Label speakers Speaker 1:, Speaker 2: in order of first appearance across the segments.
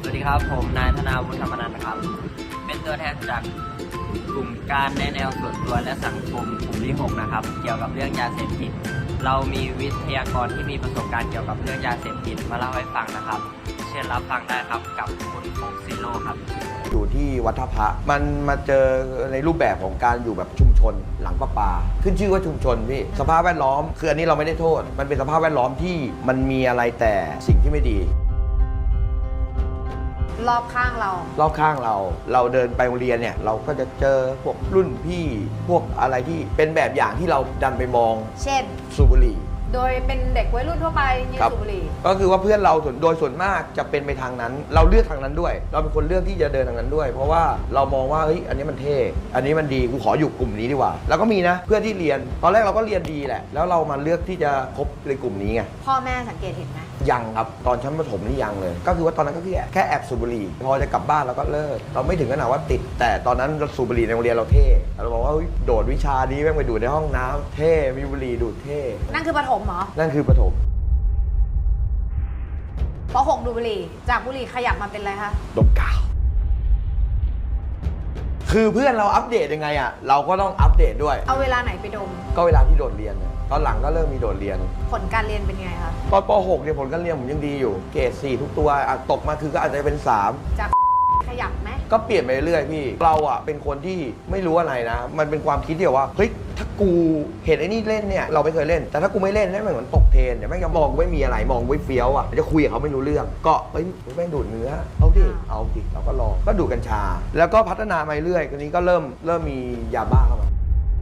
Speaker 1: วัสดีครับผมนายธนาวุฒิธรรมนันท์นะครับเป็นตัวแทนจากกลุ่มการแนะแนวส่วนตัวและสังคมกลุ่มที่6นะครับเกี่ยวกับเรื่องยาเสพติดเรามีวิทยากรที่มีประสบการณ์เกี่ยวกับเรื่องยาเสพติดมาเล่าให้ฟังนะครับเชิญรับฟังได้ครับกับคุณโฟกซิโร่ครับ
Speaker 2: อยู่ที่วัดท่าพระมันมาเจอในรูปแบบของการอยู่แบบชุมชนหลังประปาขึ้นชื่อว่าชุมชนพี่สภาพแวดล้อมคืออันนี้เราไม่ได้โทษมันเป็นสภาพแวดล้อมที่มันมีอะไรแต่สิ่งที่ไม่ดี
Speaker 3: รอบข้างเรา
Speaker 2: เดินไปโรงเรียนเนี่ยเราก็จะเจอพวกรุ่นพี่พวกอะไรที่เป็นแบบอย่างที่เราดันไปมอง
Speaker 3: เช่น
Speaker 2: สูบบุหรี่
Speaker 3: โดยเป็นเด็กวัยรุ่นทั่วไปยืนสูบบุหรี่
Speaker 2: ก็คือว่าเพื่อนเราโดยส่วนมากจะเป็นไปทางนั้นเราเลือกทางนั้นด้วยเราเป็นคนเลือกที่จะเดินทางนั้นด้วยเพราะว่าเรามองว่าเฮ้ยอันนี้มันเท่อันนี้มันดีกูขออยู่กลุ่มนี้ดีกว่าแล้วก็มีนะเพื่อนที่เรียนตอนแรกเราก็เรียนดีแหละแล้วเรามาเลือกที่จะคบในกลุ่มนี้ไง
Speaker 3: พ่อแม่สังเกตเห็นไหม
Speaker 2: ยังครับตอนชั้นประถมนี่ยังเลยก็คือว่าตอนนั้นก็แค่แอบสูบบุหรี่พอจะกลับบ้านเราก็เลิกเราไม่ถึงขนาดว่าติดแต่ตอนนั้นเราสูบบุหรี่ในโรงเรียนเราเท่เราบอกว่าโดดวิชานี้แม่งไปดูดในห้องน้ำเท่มีบุหรี่ดูดเท่
Speaker 3: นั่นคือประถมเหรอ
Speaker 2: นั่นคือประถม
Speaker 3: ป.6 ดูบุหรี่จากบุหรี่ขยับมาเป็นอะไรคะ
Speaker 2: ดมกาวคือเพื่อนเราอัปเดตยังไงอ่ะเราก็ต้องอัปเดตด้วย
Speaker 3: เอาเวลาไหนไปดม
Speaker 2: ก็เวลาที่โดดเรียนตอนหลังก็เริ่มมีโดดเรียน
Speaker 3: ผลการเรียนเป็นไงคะ
Speaker 2: ตอนป.6 เนี่ยผลการเรียนผมยังดีอยู่เกรด 4 ทุกตัวตกมาคือก็อาจจะเป็น3
Speaker 3: จากขยับไหม
Speaker 2: ก็เปลี่ยนไปเรื่อยพี่เราอ่ะเป็นคนที่ไม่รู้อะไรนะมันเป็นความคิดเดียวว่าเฮ้ยถ้ากูเห็นไอ้นี่เล่นเนี่ยเราไม่เคยเล่นแต่ถ้ากูไม่เล่นเนี่ยมันเหมือนตกเทรนเนี่ยแม่งจะมองไม่มีอะไรมองไว้เฟี้ยวอ่ะจะคุยกับเขาไม่รู้เรื่องก็เฮ้ยแม่งดูดเนื้อเอาดิเราก็ลองก็ดูดกัญชาแล้วก็พัฒนามาเรื่อยทีนี้ก็เริ่มมียาบ้าเข้ามา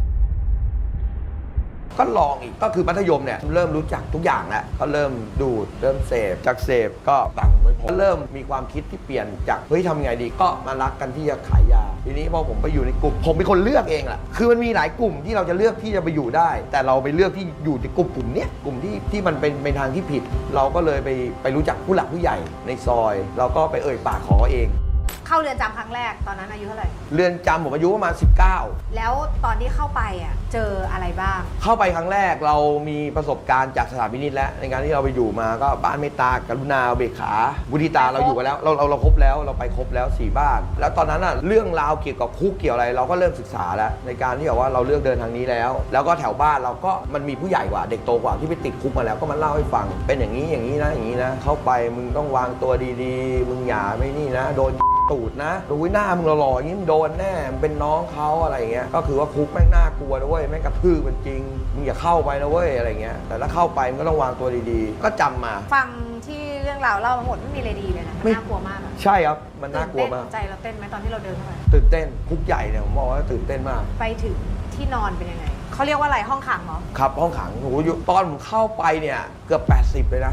Speaker 2: ก็ลองอีกก็คือมัธยมเนี่ยเริ่มรู้จักทุกอย่างแล้วก็เริ่มดูดเริ่มเสพจากเสพก็ตังไม่พอเริ่มมีความคิดที่เปลี่ยนจากเฮ้ยทำไงดีก็มารักกันที่จะขายยาทีนี้พอผมไปอยู่ในกลุ่มผมเป็นคนเลือกเองแหละคือมันมีหลายกลุ่มที่เราจะเลือกที่จะไปอยู่ได้แต่เราไปเลือกที่อยู่ในกลุ่มเนี้ยกลุ่มที่มันเป็นทางที่ผิดเราก็เลยไปรู้จักผู้หลักผู้ใหญ่ในซอยเราก็ไปเอ่ยปากขอเอง
Speaker 3: เข้าเรือนจำครั้งแรกตอนนั้นอายุเท่าไหร่
Speaker 2: เรือนจำผมอายุประมาณ19
Speaker 3: แล้วตอนที่เข้าไปอ่ะเจออะไรบ้าง
Speaker 2: เข้าไปครั้งแรกเรามีประสบการณ์จากสถานพินิจแล้วในการที่เราไปอยู่มาก็บ้านเมตตากรุณาเบกขาบุทิตาเราอยู่กันแล้วเราครบแล้วเราไปครบแล้ว4บ้านแล้วตอนนั้นอ่ะเรื่องราวเกี่ยวกับคุกเกี่ยวอะไรเราก็เริ่มศึกษาแล้วในการที่แบบว่าเราเลือกเดินทางนี้แล้วก็แถวบ้านเราก็มันมีผู้ใหญ่กว่าเด็กโตกว่าที่ไปติดคุกมาแล้วก็มาเล่าให้ฟังเป็นอย่างนี้นะเข้าไปมึงต้องวางตัวดีๆมึงอย่าไม่นี่นะโดนตูดนะดูหน้ามึงหล่อๆอย่างนี้โดนแน่เป็นน้องเขาอะไรเงี้ยก็คือว่าคุกแม่งน่ากลัวนะเว้ยแม่งกระทืบมันจริงมึงอย่าเข้าไปนะเว้ยอะไรเงี้ยแต่ถ้าเข้าไปมึงก็ต้องวางตัวดีๆก็จำมา
Speaker 3: ฟังที่เรื่องราวเล่าทั้งหมดไม่มีอะไรดีเลยนะน่ากลัวมาก
Speaker 2: ใช่ครับมันน่ากลัวมาก
Speaker 3: ใจเราเต้นไหมตอนที่เราเดินเข้าไป
Speaker 2: ตื่นเต้นคุกใหญ่เนี่ยผมบอกว่าตื่นเต้นมาก
Speaker 3: ไปถึงที่นอนเป็นยังไงเขาเรียกว่าอะไรห้องขังเหรอ
Speaker 2: ครับห้องขังโอ้โหตอนผมเข้าไปเนี่ยเกือบ80เลยนะ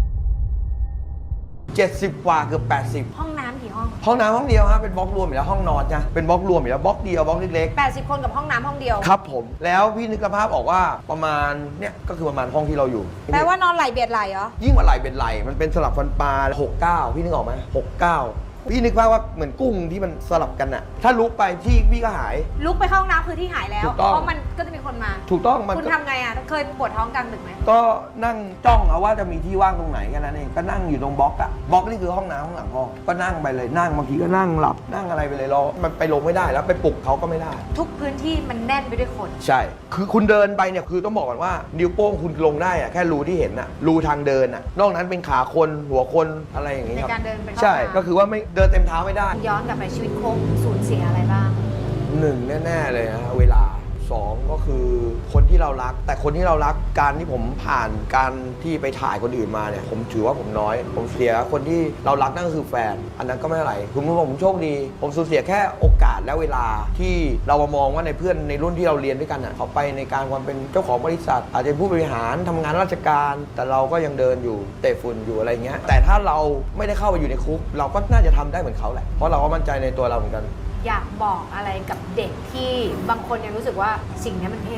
Speaker 2: 70กว่าเกือบ80
Speaker 3: ห้องน้ำกี่ห้อง
Speaker 2: ห้องเดียวครับเป็นบล็อกรวมอยู่แล้วห้องนอนจ้ะเป็นบล็อกรวมอยู่แล้วบล็อกเดียวบล็อกเล็ก
Speaker 3: ๆ80คนกับห้องน้ำห้องเดียว
Speaker 2: ครับผมแล้วพี่นึกภาพออกว่าประมาณเนี่ยก็คือประมาณห้องที่เราอยู่
Speaker 3: แปลว่านอนไหลเบียดไหลเหรอ
Speaker 2: ยิ่งกว่าไหลเบียดไหลมันเป็นสลับฟันปลา69พี่นึกออกไหม69พี่นึกภาพว่าเหมือนกุ้งที่มันสลับกันอะถ้าลุกไปที่พี่ก็หาย
Speaker 3: ลุกไปเข้าห้องน้ำคือที่หายแล้วเพราะมันก็จะมีคนมา
Speaker 2: ถูกต้อง
Speaker 3: คุณทำไงอะเคยปวดท้องกลางดึกไหม
Speaker 2: ก็นั่งจ้องเอาว่าจะมีที่ว่างตรงไหนแค่นั้นเองก็นั่งอยู่ตรงบล็อกอะบล็อกนี่คือห้องน้ำข้างหลังห้องก็นั่งไปเลยนั่งบางทีก็นั่งหลับนั่งอะไรไปเลยรอมันไปลงไม่ได้แล้วไปปลุกเขาก็ไม่ได้
Speaker 3: ทุกพื้นที่มันแน่นไปด้วยคน
Speaker 2: ใช่คือคุณเดินไปเนี่ยคือต้องบอกก่อนว่านิ้วโป้งคุณลงได้อะแค่รูที่เห็นอะรูทางเดินอะนอกนั้นเป็นขาคนหัวคนอะไรอย่างงี้
Speaker 3: ในการเดินเป็น
Speaker 2: ใช่ก็คือว่าไม่เดินเต็มเท้าไม่ได้
Speaker 3: ย้อนกลับไปชีวิตโค้งสูญเสียอะไรบ้าง
Speaker 2: 1แน่ๆเลยนะเวลา2ก็คือคนที่เรารักแต่คนที่เรารักการที่ผมผ่านการที่ไปถ่ายคนอื่นมาเนี่ยผมถือว่าผมน้อยผมเสียคนที่เรารักนั่นก็คือแฟนอันนั้นก็ไม่อะไรผมโชคดีผมสูญเสียแค่โอกาสและเวลาที่เรามามองว่าในเพื่อนในรุ่นที่เราเรียนด้วยกันเขาไปในการความเป็นเจ้าของบริษัทอาจจะเป็นผู้บริหารทำงานราชการแต่เราก็ยังเดินอยู่เตะฝุ่นอยู่อะไรเงี้ยแต่ถ้าเราไม่ได้เข้าไปอยู่ในคุกเราก็น่าจะทำได้เหมือนเขาแหละเพราะเราก็มั่นใจในตัวเราเหมือนกัน
Speaker 3: อยากบอกอะไรกับเด็กที่บางคนยังรู้สึกว่าสิ่งนี้มันเท่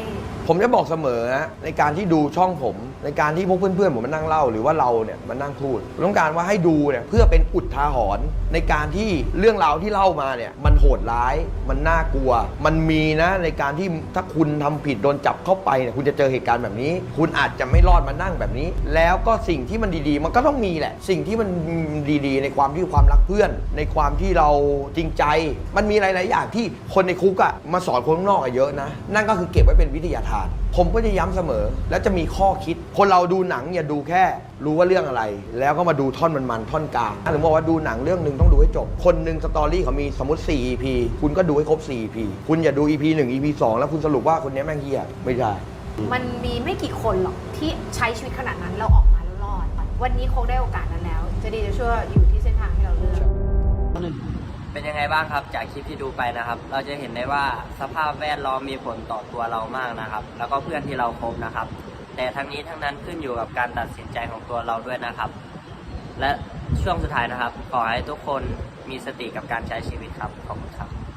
Speaker 2: ผมจะบอกเสมอนะในการที่ดูช่องผมในการที่พวกเพื่อนๆผมมานั่งเล่าหรือว่าเราเนี่ยมานั่งพูดผมต้องการว่าให้ดูเนี่ยเพื่อเป็นอุทาหรณ์ในการที่เรื่องราวที่เล่ามาเนี่ยมันโหดร้ายมันน่ากลัว มันมีนะในการที่ถ้าคุณทำผิดโดนจับเข้าไปเนี่ยคุณจะเจอเหตุการณ์แบบนี้ คุณอาจจะไม่รอดมานั่งแบบนี้ แล้วก็สิ่งที่มันดีๆมันก็ต้องมีแหละสิ่งที่มันดีๆในความที่ความรักเพื่อนในความที่เราจริงใจมันมีหลายๆอย่างที่คนในคุกอะมาสอนคนข้างนอกอะเยอะนะนั่นก็คือเก็บไว้เป็นวิทยาทานผมก็จะย้ำเสมอแล้วจะมีข้อคิดคนเราดูหนังอย่าดูแค่รู้ว่าเรื่องอะไรแล้วก็มาดูท่อนมันท่อนกลางหรือบอกว่าดูหนังเรื่องหนึ่งต้องดูให้จบคนหนึ่งสตอรี่เขามีสมมติ4 EP คุณก็ดูให้ครบ4 EP คุณอย่าดู EP 1 EP 2แล้วคุณสรุปว่าคนนี้แม่งเหี้ยไม่ใช่
Speaker 3: มันมีไม่กี่คนหรอกที่ใช้ชีวิตขนาดนั้นเราออกมาแล้วรอด วันนี้คงได้โอกาสนั้นแล้ว จะดีจะชั่วอยู่ที่เส้นทางที่เราเลือก
Speaker 1: เป็นยังไงบ้างครับจากคลิปที่ดูไปนะครับ เราจะเห็นได้ว่าสภาพแวดล้อมมีผลต่อตัวเรามากนะครับ แล้วก็เพื่อนที่เราคบนะครับ แต่ทั้งนี้ทั้งนั้นขึ้นอยู่กับการตัดสินใจของตัวเราด้วยนะครับ และช่วงสุดท้ายนะครับขอให้ทุกคนมีสติกับการใช้ชีวิตครับขอบคุณครับ